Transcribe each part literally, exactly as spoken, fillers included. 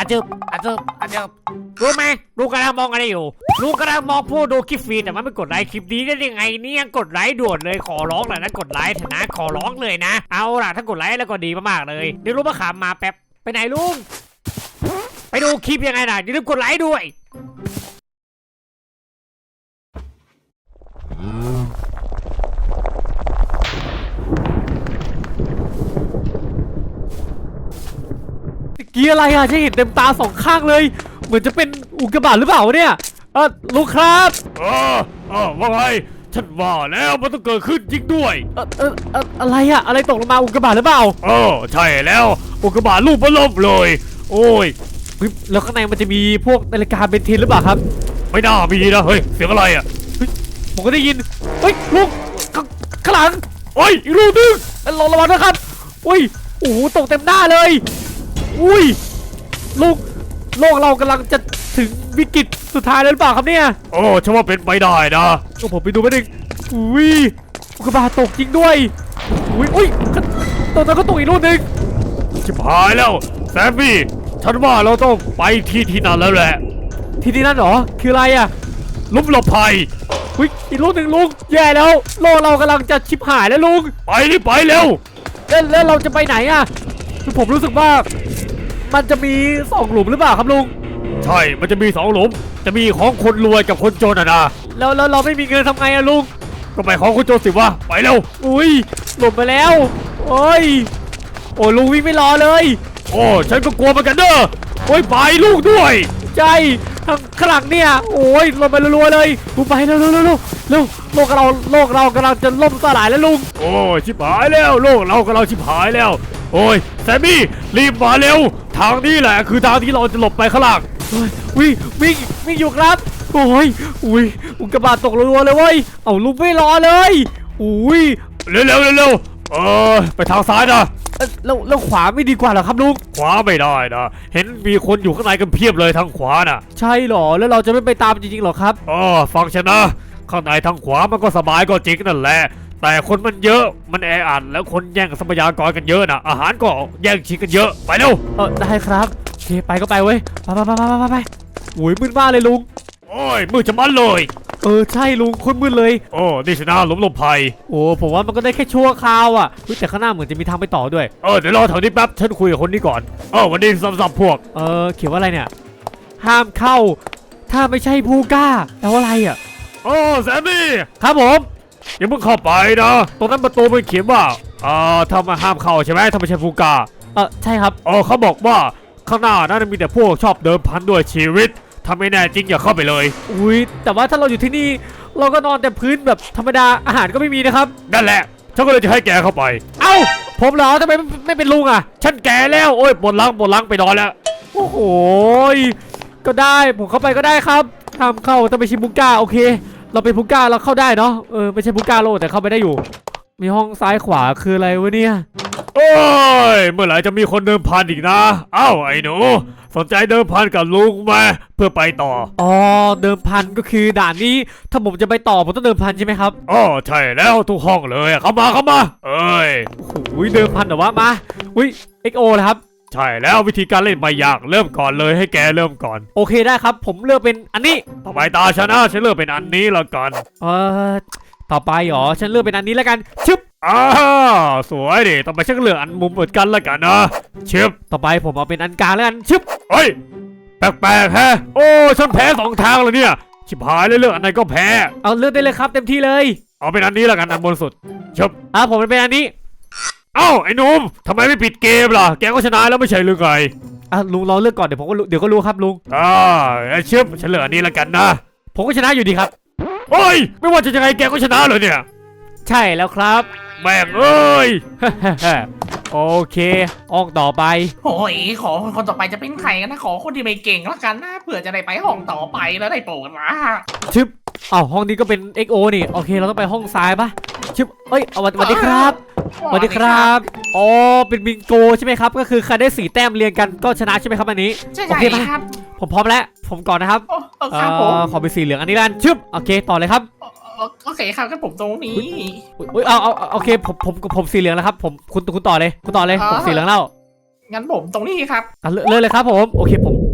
เจิบอาเจิบอาเจิบรู้ไหมลุงกำลังมองอะไรอยู่ลุงกำลังมองผู้ดูคลิปฟรีแต่มันไม่กดไลค์คลิปนี้ได้ยังไงเนี่ยกดไลค์ด่วนเลยขอร้องหน่อยนะกดไลค์เถอะนะขอร้องเลยนะเอาล่ะถ้ากดไลค์แล้วก็ดีมากๆเลยเดี๋ยวลุงมาขามมาแป๊บไปไหนลุงไปดูคลิปยังไงนะอย่าลืมกดไลค์ด้วยกี้อะไรอ่ะฉันเห็นเต็มตาสองข้างเลยเหมือนจะเป็นอุกกาบาตหรือเปล่าเนี่ยเออลุงครับเออเออว่าไงฉันว่าแล้วมันต้องเกิดขึ้นจริงด้วยเออเออเอออะไรอ่ะอะไรตกลงมาอุกกาบาตหรือเปล่าเออใช่แล้วอุกกาบาตลูกบอลลบเลยโอ้ยแล้วข้างในมันจะมีพวกนาฬิกาเบนเทนหรือเปล่าครับไม่น่ามีนะเฮ้ยเสียงอะไรอ่ะผมก็ได้ยินเฮ้ยลุงข้างหลังโอ้ยอีกลูกนึงระวังนะครับอุ้ยโอ้โหตกเต็มหน้าเลยอุ้ยลูกโลกเรากำลังจะถึงวิกฤตสุดท้ายแล้วหรือเปล่าครับเนี่ยโอ้ฉันว่าเป็นไปได้นะก็ผมไปดูไปหนึ่งอุ้ยอุกกาบาตตกจริงด้วยอุ้ยอุ้ยตอนนั้นก็ตกอีกลูกหนึ่งชิบหายแล้วแซมมี่ฉันว่าเราต้องไปที่ที่นั่นแล้วแหละที่ที่นั่นเหรอคืออะไรอ่ะลุมหลบภัยอุ้ยอีกลูกหนึ่งลุงแย่แล้วโลกเรากำลังจะชิบหายแล้วลุงไปนี่ไปเร็วแล้วแล้วเราจะไปไหนอ่ะคือผมรู้สึกว่ามันจะมีสองหลุมหรือเปล่าครับลุงใช่มันจะมีสองหลุมจะมีของคนรวยกับคนจนอ่ะนะแล้วแล้วเราไม่มีเงินทำไงอะลุงก็ไปของคนจนสิวะไปเร็วอุ้ยหลบไปแล้วโอ้ยโอ้ลุงวิ่งไม่รอเลยโอ้ฉันก็กลัวเหมือนกันเด้อโอ้ยไปลูกด้วยใช่ทางข้างหลังเนี่ยโอ้ยลงไปรัวๆเลยลุงไปเร็วเร็วเร็วเร็วเร็วโลกเราโลกเรากำลังจะล่มสลายแล้วลุงโอ้ยชิบหายแล้วโลกเรากำลังชิบหายแล้วโอ้ยแซมมี่รีบมาเร็วทางนี้แหละคือทางที่เราจะหลบไปข้างล่างวิ่งวิ่งวิ่งอยู่ครับโอ้ยอุ้ยอุกกาบาตตกรัวๆเลยเว้ยเอาลุงไม่รอเลยอุ้ยเร็วเร็วเร็วเออไปทางซ้ายนะแล้วแล้วขวาไม่ดีกว่าเหรอครับลุงขวาไม่ได้นะเห็นมีคนอยู่ข้างในกันเพียบเลยทางขวาน่ะใช่หรอแล้วเราจะไม่ไปตามจริงๆหรอครับอ๋อฟังฉันนะข้างในทางขวามันก็สบายก็จริงนั่นแหละแต่คนมันเยอะมันแออัดแล้วคนแย่งทรัพยากรกันเยอะนะอาหารก็แย่งชิงกันเยอะไปเร็วเออได้ครับโอเคไปก็ไปเว้ยไปไปไปไปไปไปโอ้ยมืดมากเลยลุงโอ้ยมืดจะมันเลยเออใช่ลุงคนมืดเลยโอ้นี่ชนะหลุมหลบภัยโอ้ผมว่ามันก็ได้แค่ชั่วคราวอ่ะแต่ข้างหน้าเหมือนจะมีทางไปต่อด้วยเออเดี๋ยวรอแถวนี้แป๊บฉันคุยกับคนนี้ก่อนเออวันนี้สับๆพวกเออเขียนว่าอะไรเนี่ยห้ามเข้าถ้าไม่ใช่ผู้กล้าแปลว่าอะไรอ่ะโอ้แซมมี่ครับผมอย่าเพิ่งเข้าไปนะตรงนั้นประตูมันเขียนว่าอ่าถ้ามาห้ามเข้าใช่ไหมถ้าไม่ใช่ผู้กล้าเออใช่ครับอ๋อเขาบอกว่าข้างหน้านั้นมีแต่พวกชอบเดิมพันด้วยชีวิตถ้าไม่แน่จริงอย่าเข้าไปเลยอุ้ยแต่ว่าถ้าเราอยู่ที่นี่เราก็นอนแต่พื้นแบบธรรมดาอาหารก็ไม่มีนะครับนั่นแหละฉันก็เลยจะให้แกเข้าไปเอ้าผมเหรอทำไมไม่เป็นลุงอ่ะฉันแก่แล้วโอ้ยปวดหลังปวดหลังไปนอนแล้วโอ้โหก็ได้ผมเข้าไปก็ได้ครับทำเข้าถ้าไม่ใช่พุก้าโอเคเราเป็นพุก้าเราเข้าได้เนาะเออไม่ใช่พุก้าโลแต่เข้าไปได้อยู่มีห้องซ้ายขวาคืออะไรวะเนี่ยโอ้ยเมื่อไหร่จะมีคนเดิมพันอีกนะเอ้าไอ้หนูสนใจเดิมพันกับลุงไหมเพื่อไปต่ออ๋อเดิมพันก็คือด่านนี้ถ้าผมจะไปต่อผมต้องเดิมพันใช่ไหมครับอ๋อใช่แล้วทุกห้องเลยเข้ามาเข้ามาเอ้ยโอ้ยเดิมพันเหรอวะมาอุ้ย เอ็กซ์ โอ นะครับใช่แล้ววิธีการเล่นไม่ยากเริ่มก่อนเลยให้แกเริ่มก่อนโอเคได้ครับผมเลือกเป็นอันนี้ต่อไปตาฉันนะฉันเลือกเป็นอันนี้ละกันเออต่อไปหรอฉันเลือกเป็นอันนี้แล้วกันชึบอ้าสวยดิต่อไปฉันเลือกอันมุมเหมือนกันละกันนะชึบต่อไปผมเอาเป็นอันกลางแล้วกันชึบเฮ้ยแปลกๆแฮะโอ้ฉันแพ้สองทางเลยเนี่ยชิบหายเลยเลือกอันไหนก็แพ้เอาเลือกได้เลยครับเต็มที่เลยเอาเป็นอันนี้ละกันอันบนสุดชึบอ่ะผมเป็นอันนี้เอ้าไอ้หนุ่มทำไมไม่ปิดเกมล่ะแกก็ชนะแล้วไม่ใช่หรือไงอ่ะลุงรอเลือกก่อนเดี๋ยวผมก็เดี๋ยวก็รู้ครับลุงอ่าไอ้ชึบฉันเลือกอันนี้ละกันนะผมก็ชนะอยู่ดีครับโอ้ยไม่ว่าจะยังไงแกก็ชนะเลยเนี่ยใช่แล้วครับแม่งเอ้ยโอเคห้องต่อไปโอ้ยขอคนต่อไปจะเป็นใครกันนะขอคนที่ไม่เก่งแล้วกันนะเผื่อจะได้ไปห้องต่อไปแล้วได้โปรดนะชึบอ้าวห้องนี้ก็เป็น เอ็กซ์ โอ นี่โอเคเราต้องไปห้องซ้ายปะชึบเอ้ยสวัสดีครับสวัสดีครับอ๋อเป็นบิงโกใช่ไหมครับก็คือใครได้สี่แต้มเรียงกันก็ชนะใช่ไหมครับอันนี้โอเคครับผมพร้อมแล้วผมก่อนนะครับขอเป็นสีเหลืองอันนี้กันชึบโอเคต่อเลยครับโอเคครับก็ผมตรงนี้อุ้ยเอาเอาโอเคผมผมผมสีเหลืองแล้วครับผมคุณคุณต่อเลยคุณต่อเลยผมสีเหลืองแล้วงั้นผมตรงนี้ครับเลื่อนเลยครับผมโอเคผม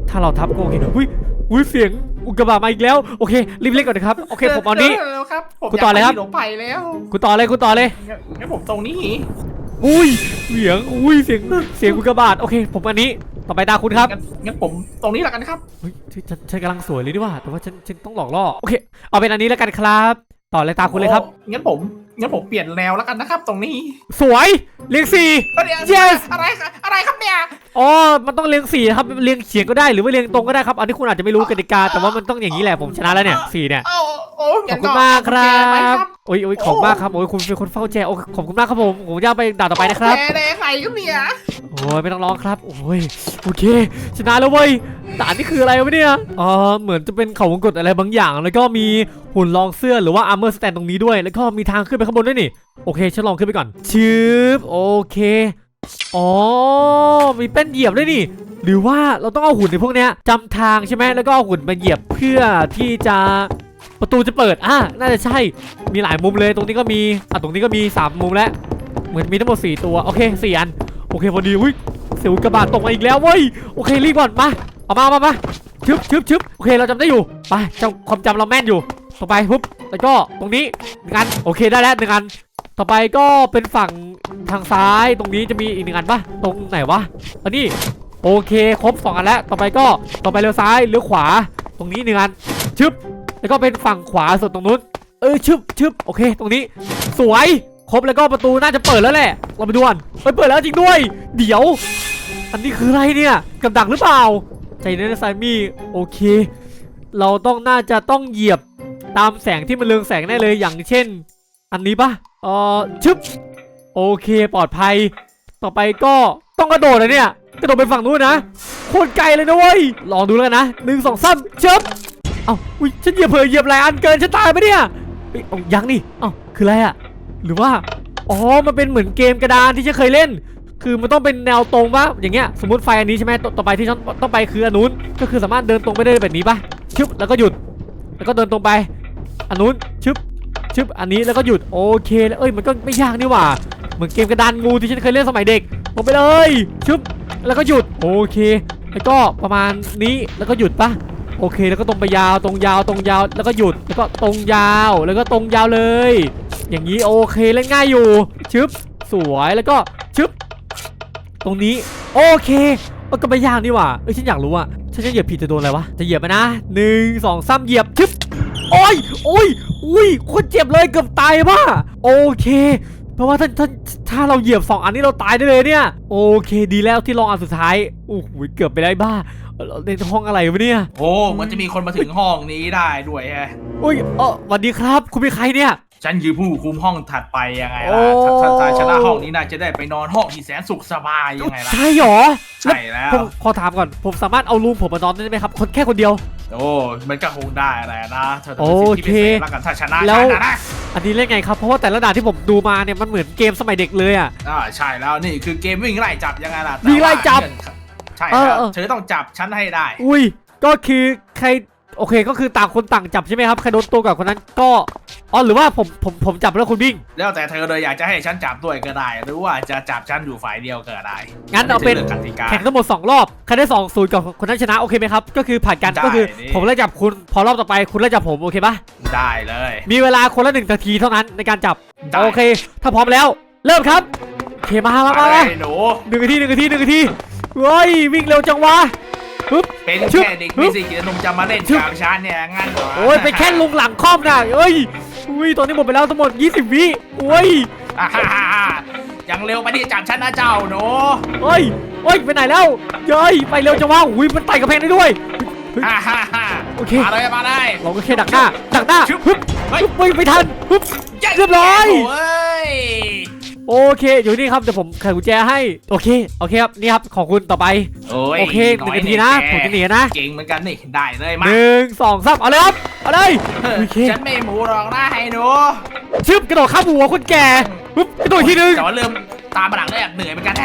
ถ้าเราทับก็โอเคอุ้ยอุ้ยเสียงอุกกาบาตมาอีกแล้วโอเครีบเล่นก่อนนะครับโอเคผมเอานี้แล้วครับผมคุณต่อเลยครับหลงไปแล้วกูต่อเลยกูต่อเลยงั้นผมตรงนี้อุ้ยเสียงอุ้ยเสียงเสียงอุกกาบาตโอเค ผมอันนี้ต่อไปตาคุณครับงั้นงั้นผมตรงนี้ละกันครับเฮ้ยฉันฉันฉันกำลังสวยเลยดีว่าแต่ว่าฉันฉันต้องหลอกล่อโอเคเอาเป็นอันนี้แล้วกันครับ ต่อเลยตาคุณเลยครับโอ้งั้นผมงั้นผมเปลี่ยนแนวแล้วกันนะครับ ตรงนี้สวยเรียงสี่เดี๋ยว yes อะไรอะไรครับเนี่ยอ๋อมันต้องเรียงสี่ครับเรียงเฉียงก็ได้หรือว่าเรียงตรงก็ได้ครับอันนี้คุณอาจจะไม่รู้กติกาแต่ว่ามันต้องอย่างนี้แหละผมชนะแล้วเนี่ยสี่เนี่ยโอ้โอ้ขอบคุณมากครัแกไหมบโอ้ยโอ้ยขอบคุณมากครับโอ้ยคุณเป็นคนเฝ้าแจโอ้ยขอบคุณมากครับผมผมจะเอาไปด่าต่อไปนะครับแกแดงใครก็เนี่ยโอ้ยไม่ต้องร้องครับโอ้ยโอเคชนะแล้วเว้ยแต่อันนี้คืออะไรวะเนี่ยอ๋อเหมือนจะเป็นเขาวงกตอะไรบางอย่าง แล้วก็มีหุ่นรองเสื้อหรือว่าอาร์เมอร์สแตนตรงนี้ด้วยแล้วก็มีทางขึ้นไปข้างบนด้วยนี่โอเคฉันลองขึ้นไปก่อนชืบโอเคอ๋อมีแป้นเหยียบด้วยนี่หรือว่าเราต้องเอาหุ่นในพวกเนี้ยจำทางใช่ไหมแล้วก็เอาหุ่นมาเหยียบเพื่อที่จะประตูจะเปิดอ่ะน่าจะใช่มีหลายมุมเลยตรงนี้ก็มีอ่ะตรงนี้ก็มีสามมุมแล้วเหมือนมีทั้งหมดสี่ตัวโอเคสี่อันโอเคพอดีอุ้ยเสียวกระบาดตกมาอีกแล้วเว้ยโอเครีบก่อนมาเอามาเอามามาชึบชึบชึบโอเคเราจำได้อยู่ไปจำความจำเราแม่นอยู่ต่อไปปุ๊บแล้วก็ตรงนี้หนึ่งอันโอเคได้แล้วหนึ่งอันต่อไปก็เป็นฝั่งทางซ้ายตรงนี้จะมีอีกหนึ่งอันปะตรงไหนวะอันนี้โอเคครบสองอันแล้วต่อไปก็ต่อไปเลี้ยวซ้ายเลี้ยวขวาตรงนี้หนึ่งอันชึบแล้วก็เป็นฝั่งขวาสุดตรงนู้นเออชึบชึบโอเคตรงนี้สวยครบแล้วก็ประตูน่าจะเปิดแล้วแหละเราไปดูกันเฮ้ยเปิดแล้วจริงด้วยเดี๋ยวอันนี้คืออะไรเนี่ยกับดักหรือเปล่าใจเย็นนะไซมี่โอเคเราต้องน่าจะต้องเหยียบตามแสงที่มันเรืองแสงแน่เลยอย่างเช่นอันนี้ปะเออชึบโอเคปลอดภัยต่อไปก็ต้องกระโดดเลยเนี่ยกระโดดไปฝั่งนู้นนะโคตรไกลเลยนะเว้ยลองดูแล้วกันนะหนึ่งสองสามชึบเอ้าอุ้ยฉันเหยียบเผลอเหยียบหลายอันเกินฉันตายไปเนี่ยเอ้ยเอายังนี่เอ้าคืออะไรอะหรือว่าอ๋อมันเป็นเหมือนเกมกระดานที่ฉันเคยเล่นคือมันต้องเป็นแนวตรงปะอย่างเงี้ยสมมติไฟอันนี้ใช่ไหมตต่อไปที่ฉันต้องไปคืออันนู้นก็คือสามารถเดินตรงไปได้แบบนี้ปะชึบแล้วก็หยุดแล้วก็เดินตรงไปอันนู้นชึบชึบอันนี้แล้วก็หยุดโอเคแล้วเอ้ยมันก็ไม่ยากนี่หว่าเหมือนเกมกระดานงูที่ฉันเคยเล่นสมัยเด็กลงไปเลยชึบแล้วก็หยุดโอเคแล้วก็ประมาณนี้แล้วก็หยุดปะโอเคแล้วก็ตรงไปยาวตรงยาวตรงยาวแล้วก็หยุดแล้วก็ตรงยาวแล้วก็ตรงยาวเลย อย่างนี้โอเคเล่นง่ายอยู่ชึบสวยแล้วก็ชึบตรงนี้โอเคมันก็ไม่ยากนี่หว่าเอ้ยฉันอยากรู้อะฉันจะเหยียบผิดจะโดนอะไรวะจะเหยียบไปนะหนึ่งสองสามเหยียบชึบโอ้ยโอ้ยอุ้ยโคตรเจ็บเลยเกือบตายป่ะโอเคเพราะว่าถ้าถ้าถ้าเราเหยียบสองอันนี้เราตายได้เลยเนี่ยโอเคดีแล้วที่ลองอันสุดท้ายโอ้โหเกือบไปได้บ้าเราในห้องอะไรวะเนี่ยโอ้มันจะมีคนมาถึงห้องนี้ได้ด้วยแฮะอุ้ยเออสวัสดีครับคุณเป็นใครเนี่ยฉันคือผู้คุมห้องถัดไปยังไงโอ้ล่ะถ้าถ้าชนะห้องนี้น่าจะได้ไปนอนห้องที่แสนสุขสบายยังไงล่ะใช่หรอใช่แล้วผมขอถามก่อนผมสามารถเอาลุงผมมานอนได้ไหมครับคนแค่คนเดียวโอ้มันก็คงได้แหละนะเธอโอทำสิ่งที่เคเป็นเศษแล้วกันถ้าชนะแล้วชนะนะอันนี้เล่นไงครับเพราะว่าแต่ละด่านที่ผมดูมาเนี่ยมันเหมือนเกมสมัยเด็กเลยอ่ะอ่าใช่แล้วนี่คือเกมวิ่งไล่จับยังไงล่ะวิ่งไล่จับแต่ว่าเงื่อนใช่เออแล้วเออเธอต้องจับฉันให้ได้อุ้ยก็คือใครโอเคก็คือต่างคนต่างจับใช่ไหมครับใครโดนตัวกับคนนั้นก็อ๋อหรือว่าผมผมผมจับแล้วคุณวิ่งแล้วแต่เธอเลยอยากจะให้ฉันจับด้วยก็ได้ หรือว่าจะจับฉันอยู่ฝ่ายเดียวก็ได้งั้นเอาเป็นกติกาแข่งทั้งหมดสองรอบใครได้สองศูนย์กับคนนั้นชนะโอเคไหมครับก็คือผ่านกันได้ก็คือดิผมไล่จับคุณพอรอบต่อไปคุณไล่จับผมโอเคปะได้เลยมีเวลาคนละหนึ่งนาทีเท่านั้นในการจับได้โอเค ถ้าพร้อมแล้ว เริ่มครับโอเคมามามาไปมาหนูหนึ่งนาทีหนึ่งนาทีหนึ่งนาทีเฮ้ยวิ่งเร็วจังวะปึ๊บเป็นชึบแค่เด็กมีสิทธิ์จะนุ่มจะมาเล่นชึบกับฉันเนี่ยงั้นเหรอโอ้ยไปแค่ลงหลังคอมนะเอ้ยอุ้ยตอนนี้หมดไปแล้วทั้งหมดยี่สิบวิโอ้ยอ่าฮ่าฮ่าฮ่ายังเร็วไปที่จับฉันนะเจ้าหนูเฮ้ยเฮ้ยไปไหนแล้วเย้ยไปเร็วจังวะอุ้ยมันไต่กระแพงได้ด้วยฮ่าฮ่าฮ่าโอเคมาเลยมาเลยเราก็แค่ดักหน้าดักหน้าชึบปึ๊บเฮ้ยปึ๊บไม่ไม่ทันปึ๊บ เรียบร้อยโอ้ยโอเคอยู่นี่ครับเดี๋ยวผมไขกุญแจให้โอเคโอเคครับนี่ครับของคุณต่อไปโอ้ยโอเคหนึ่งนาทีนะผมจะหนีนะเก่งเหมือนกันนี่ได้เลยมาหนึ่งสองสามเอาเลยครับเอาเลยเออโอเคฉันไม่หมูหรอกนะให้หนูชึบกระโดดข้ามหัวคนแก่ปึ๊บกระโดดอีกทีนึงแต่ว่าเริ่มตามมาหลังได้แบบเหนื่อยเหมือนกันนะ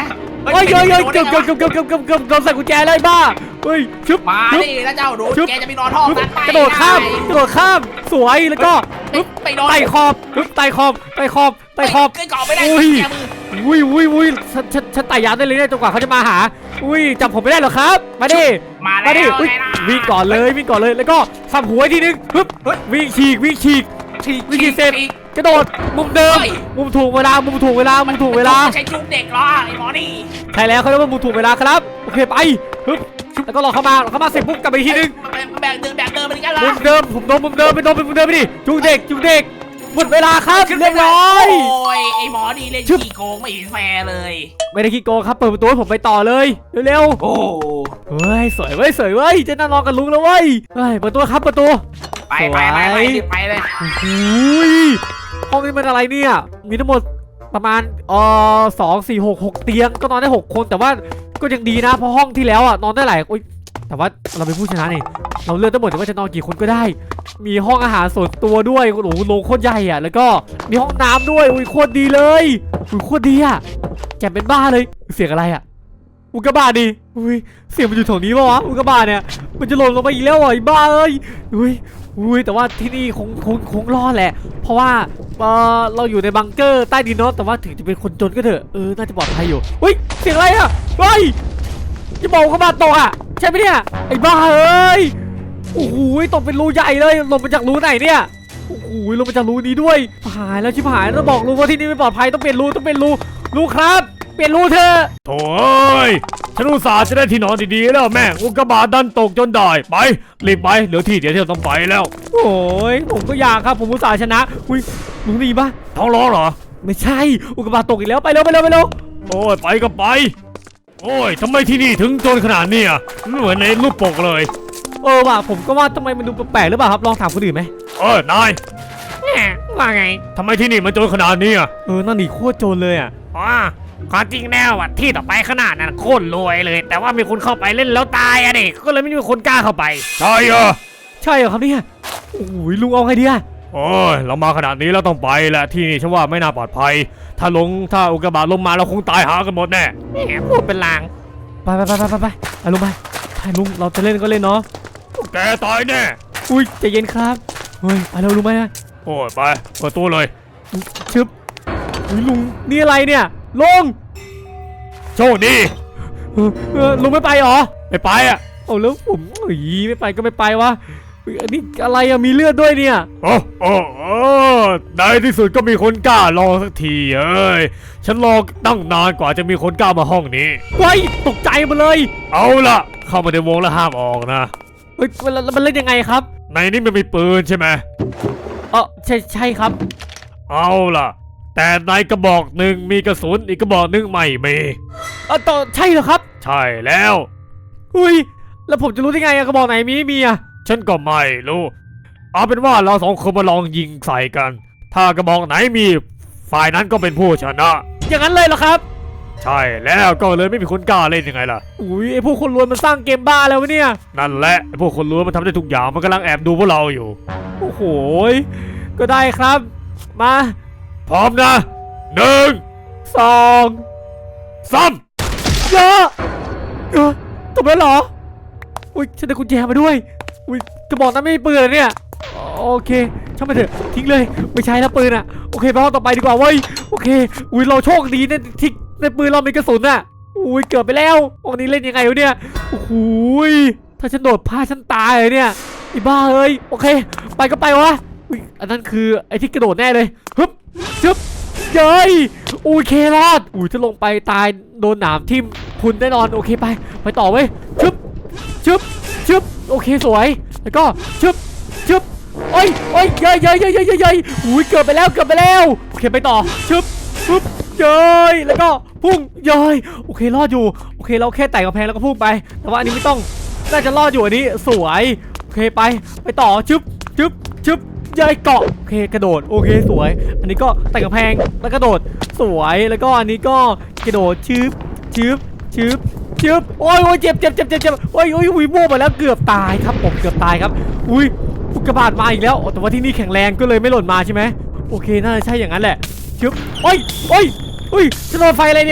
เฮ้ยเฮ้ยเฮ้ยเกือบเกือบเกือบเกือบเกือบเกือบเกือบโดนใส่กุญแจเลยบ้าเฮ้ยชึบมาชึบดิแล้วเจ้าดูชึบแกจะไปนอนห้องนั้นไปกระโดดข้ามกระโดดข้ามสวยแล้วก็ปึ๊บไปนอนไต่ขอบปึ๊บไต่ขอบไต่ขอบไต่ขอบขึ้นเกาะไม่ได้อุ้ยแกมืออุ้ยอุ้ยอุ้ยฉันฉันฉันไต่ยาวได้เลยเนี่ยจนกว่าเขาจะมาหาอุ้ยจับผมไม่ได้หรอครับมาดิมามาแล้ดิวอุ้ยไงล่ะวิ่งก่อนเลยวิ่งก่อนเลยแล้วก็สับหัวอีกทีนึงปึ๊บเฮ้ยวิ่งฉีกวิ่งฉีกฉีกวิธีเซฟฉีกกระโดดมุมเดิมเฮ้ยมุมถูกเวลามุมถูกเวลามุมถูกเวลาใช้ชุดเด็กเหรอไอ้หมอนี่ใช่แล้วเขาเรียกว่ามุมถูกเวลาครับโอเคไปปึ๊บแล้วก็รอเข้ามาเข้ามาเสร็จปุ๊บกลับไปอีกทีนึงแบกเดินแบกเดินไปกันละมุมเดิมผมโดนมุมเดิมไปโดนไปมุมเดิมไปดิจุกเด็กจุกเด็กหมดเวลาครับเรียบร้อยโอ้ยไอ้หมอนี่เล่นชึบขี้โกงไม่เห็นแฟร์เลยไม่ได้ขี้โกงครับเปิดประตูให้ผมไปต่อเลยเร็วโอ้ๆเฮ้ยสวยเว้ยสวยเว้ยจะนั่งรอกันลุงแล้วเว้ยเฮ้ยประตูครับประตูไปไปไปไปรีบไปเลยโอ้โหยห้องนี้มันอะไรเนี่ยมีทั้งหมดประมาณเอ่อสองสี่หกหกเตียงก็นอนได้หกคนแต่ว่าก็ยังดีนะเพราะห้องที่แล้วอ่ะนอนได้หลายอุ้ยแต่ว่าเราเป็นผู้ชนะนี่เราเลือกได้หมดแต่ว่าจะนอนกี่คนก็ได้ มีห้องอาหารส่วนตัวด้วยโอ้โหโรงโคตรใหญ่อ่ะแล้วก็มีห้องน้ำด้วยอุ้ยโคตรดีเลยอุ้ยโคตรดีอ่ะแจ่มเป็นบ้าเลยเสียงอะไรอ่ะอุกกาบาตดิอุ้ยเสียงมันอยู่แถวนี้ปะวะอุกกาบาตเนี่ยมันจะหล่นลงไปอีกแล้วเหรอไอ้บ้าเอ้ยอุ้ยอุ้ยแต่ว่าที่นี่คงคงคงรอดแหละ เพราะว่าเออเราอยู่ในบังเกอร์ใต้ดินเนาะแต่ว่าถึงจะเป็นคนจนก็เถอะเออน่าจะปลอดภัยอยู่เฮ้ยเสียงอะไรอ่ะเฮ้ยจะบอกอุกกาบาตตกอ่ะใช่ไหมเนี่ยไอ้บ้าเอ้ย โอ้โหตกเป็นรูใหญ่เลยลงมาจากรูไหนเนี่ยโอ้โหลงมาจากรูนี้ด้วยหายแล้วชิบหายแล้วบอกลุงว่าที่นี่ไม่ปลอดภัยต้องเปลี่ยนรูต้องเปลี่ยนรูลุงครับเปลี่ยนรูเถอะโถ่เอ้ยฉันอุตส่าห์จะได้ที่นอนดีๆแล้วแม่งอุกกาบาตดันตกจนได้ไปรีบไปเหลือที่เดียวที่เราต้องไปแล้วโอ้ยผมก็อยากครับผมอุตส่าห์ชนะอุ้ยลุงดีปะท้องร้องเหรอไม่ใช่อุกกาบาตตกอีกแล้วไปเร็วไปเร็วไปเร็วโอ้ยไปก็ไป โอ้ยทำไมที่นี่ถึงจนขนาดนี้อ่ะไม่เหมือนในรูปปกเลยเออว่ะผมก็ว่าทำไมมันดูแปลกๆหรือเปล่าครับลองถามคนอื่นไหมเออนายแหมว่าไงทำไมที่นี่มันจนขนาดนี้อ่ะเออนั่นนี่โคตรโจรเลยอ่ะอ๋อความจริงแล้วอ่ะที่ต่อไปขนาดนั้นโคตรรวยเลย แต่ว่ามีคนเข้าไปเล่นแล้วตายอ่ะเด็กก็เลยไม่มีคนกล้าเข้าไปใช่เหรอใช่เหรอครับเนี่ยโอ้ยลุงเอาไงดีอะโอ้ยเรามาขนาดนี้เราต้องไปแหละที่นี่ฉันว่าไม่น่าปลอดภัย ถ้าลงถ้าอุกกาบาตลงมาเราคงตายหากันหมดแน่แหมพูดเป็นลางไปไปไปไปไปไปไปลุงไปไปลุงเราจะเล่นก็เล่นเนาะแกตายแน่อุ้ยใจเย็นครับเฮ้ยไปเร็วลุงไปนะโอ้ยไปเปิดตู้เลยชึบอุ้ยลุงนี่อะไรเนี่ยลุงโชคดีเออเออลุงไม่ไปเหรอไม่ไปอ่ะเอาแล้วผมเอ้ยไม่ไปก็ไม่ไปวะเฮ้ยอันนี้อะไรอะมีเลือดด้วยเนี่ยโอ้โอ้โอ้ในที่สุดก็มีคนกล้าลองสักทีเอ้ยฉันรอตั้งนานกว่าจะมีคนกล้ามาห้องนี้ไว้ยตกใจหมาเลยเอาล่ะ เข้ามาในวงแล้วห้ามออกนะเฮ้ยแล้วแล้วมันเล่นยังไงครับในนี้มันมีปืนใช่ไหมเออใช่ใช่ครับเอาล่ะ แต่ในกระบอกหนึ่งมีกระสุนอีกกระบอกหนึ่งไม่มีเออต่อใช่เหรอครับใช่แล้วอุ้ยแล้วผมจะรู้ได้ไงอะกระบอกไหนมีไม่มีอะฉันก็ไม่รู้ เอาเป็นว่าเราสองคนมาลองยิงใส่กัน ถ้ากระบอกไหนมีฝ่ายนั้นก็เป็นผู้ชนะอย่างนั้นเลยเหรอครับใช่แล้วก็เลยไม่มีคนกล้าเล่นยังไงล่ะอุ้ยไอพวกคนรวยมันสร้างเกมบ้าแล้ววะเนี่ยนั่นแหละไอ้พวกคนรู้มันทำได้ทุกอย่างมันกำลังแอบดูพวกเราอยู่โอ้โหยก็ได้ครับ มาพร้อมนะหนึ่งสองสามเยอะเออจบแล้วเหรอ อุ้ยฉันได้กุญแจมาด้วย อุ้ยกระบอกนั้นไม่มีปืนเหรอเนี่ย โอเคช่างมันเถอะทิ้งเลยไม่ใช้แล้วปืนอ่ะโอเคไปห้องต่อไปดีกว่าเว้ยโอเคอุ้ยเราโชคดีนะที่ในปืนเรามีกระสุนอ่ะอุ้ยเกือบไปแล้ววันนี้เล่นยังไงวะเนี่ยโอ้โหยถ้าฉันโดดพลาดฉันตายเลยเนี่ยไอ้บ้าเอ้ยโอเค ไปก็ไปวะอุ้ยอันนั้นคือไอ้ที่กระโดดแน่เลยฮึบชึบเย้ยโอเครอดอุ้ยถ้าลงไปตายโดนหนามทิ่มพุนแน่นอนโอเคไปไปต่อเว้ยชึบชึบชึบโอเคสวยแล้วก็ชึบชึบโอ้ยโอ้ยเย้ยเย้ยเย้ยเย้ยเย้ยอุ้ยเกือบไปแล้วเกือบไปแล้วโอเคไปต่อชึบปึ๊บเย้ยแล้วก็พุ่งเย้ยโอเครอดอยู่โอเคเราแค่ไต่กำแพงแล้วก็พุ่งไปแต่ว่าอันนี้ไม่ต้องน่าจะรอดอยู่อันนี้สวยโอเคไปไปต่อชึบชึบชึบเย้ยเกาะโอเคกระโดดโอเคสวย อันนี้ก็ไต่กำแพงแล้วกระโดดสวยแล้วก็อันนี้ก็กระโดดชึบชึบชึบชึบโอ้ยโอ้ยเจ็บเจ็บเจ็บเจ็บเจ็บโอ้ยโอ้ยอุ้ยมั่วไปแล้วเกือบตายครับผมเกือบตายครับอุ้ยอุกกาบาตมาอีกแล้วแต่ว่าที่นี่แข็งแรงก็เลยไม่หล่นมาใช่ไหมโอเคน่าจะใช่อย่างนั้นแหละชึบโอ้ยโอ้ยอุ้ยจะโดนไฟอะไรเนี่ย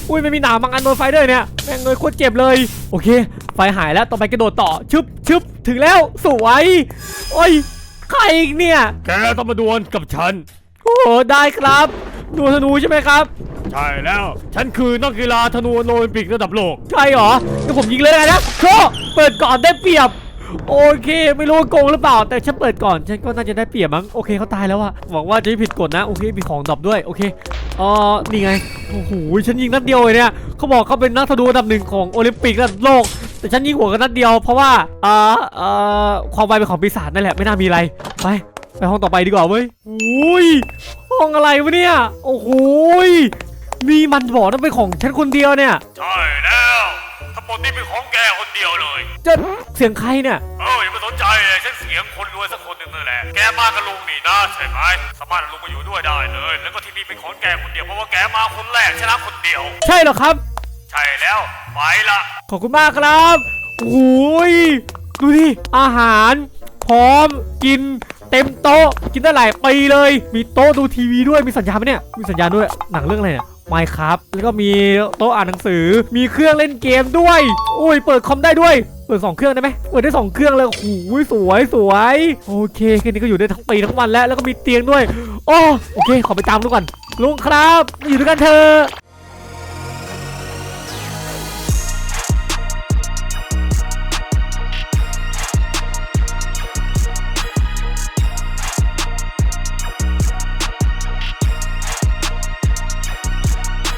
อุ้ยไม่มีหนามบางอันโดนไฟด้วยเนี่ยแม่งเลยโคตรเจ็บเลยโอเคไฟหายแล้วต่อไปกระโดดต่อชึบชึบถึงแล้วสวยโอ้ยใครอีกเนี่ยแกต้องมาดวลกับฉันโอ้โหได้ครับดวลธนูใช่ไหมครับใช่แล้ว ฉันคือนักกีฬาธนูโอลิมปิกระดับโลกใช่เหรอเดี๋ยวผมยิงเลยนะโชเปิดก่อนได้เปรียบโอเคไม่รู้ว่าโกงหรือเปล่าแต่ฉันเปิดก่อนฉันก็น่าจะได้เปรียบมั้งโอเคเขาตายแล้วอะหวังว่าจะไม่ผิดกฎนะโอเคมีของดรอปด้วยโอเคอ๋อนี่ไงโอ้โหฉันยิงนัดเดียวเลยเนี่ยเขาบอกเขาเป็นนักธนูอันดับหนึ่งของโอลิมปิกระดับโลกแต่ฉันยิงหัวกันนัดเดียวเพราะว่าอ่าเอ่อความไวเป็นของปีศาจนั่นแหละไม่น่ามีอะไรไปไปห้องต่อไปดีกว่าเว้ยอุ้ยห้องอะไรวะเนี่ยโอ้โหนี่มันบอกว่าเป็นของฉันคนเดียวเนี่ยใช่แล้วทั้งหมดนี่เป็นของแกคนเดียวเลยจะเสียงใครเนี่ยเอออย่ามาสนใจเลยฉันเสียงคนรวยสักคนหนึ่งนั่นแหละ แกมากับลุงนี่นะใช่ไหมสามารถเอาลุงมาอยู่ด้วยได้เลย แล้วก็ที่นี่เป็นของแกคนเดียวเพราะว่าแกมาคนแรกชนะคนเดียวใช่เหรอครับใช่แล้วไปละขอบคุณมากครับโอ้ยดูดิอาหารพร้อมกินเต็มโต๊ะกินได้หลายปีเลยมีโต๊ะดูทีวีด้วยมีสัญญาณไหมเนี่ยมีสัญญาณด้วยหนังเรื่องอะไรเนี่ยไมค์ครับแล้วก็มีโต๊ะอ่านหนังสือมีเครื่องเล่นเกมด้วยโอ้ยเปิดคอมได้ด้วยเปิดสองเครื่องได้ไหมเปิดได้สองเครื่องเลยโอ้โหสวยสวยโอเคแค่นี้ก็อยู่ได้ทั้งปีทั้งวันแล้วแล้วก็มีเตียงด้วยโอ้โอเคขอไปตามลุงก่อนลุงครับมาอยู่ด้วยกันเถอะ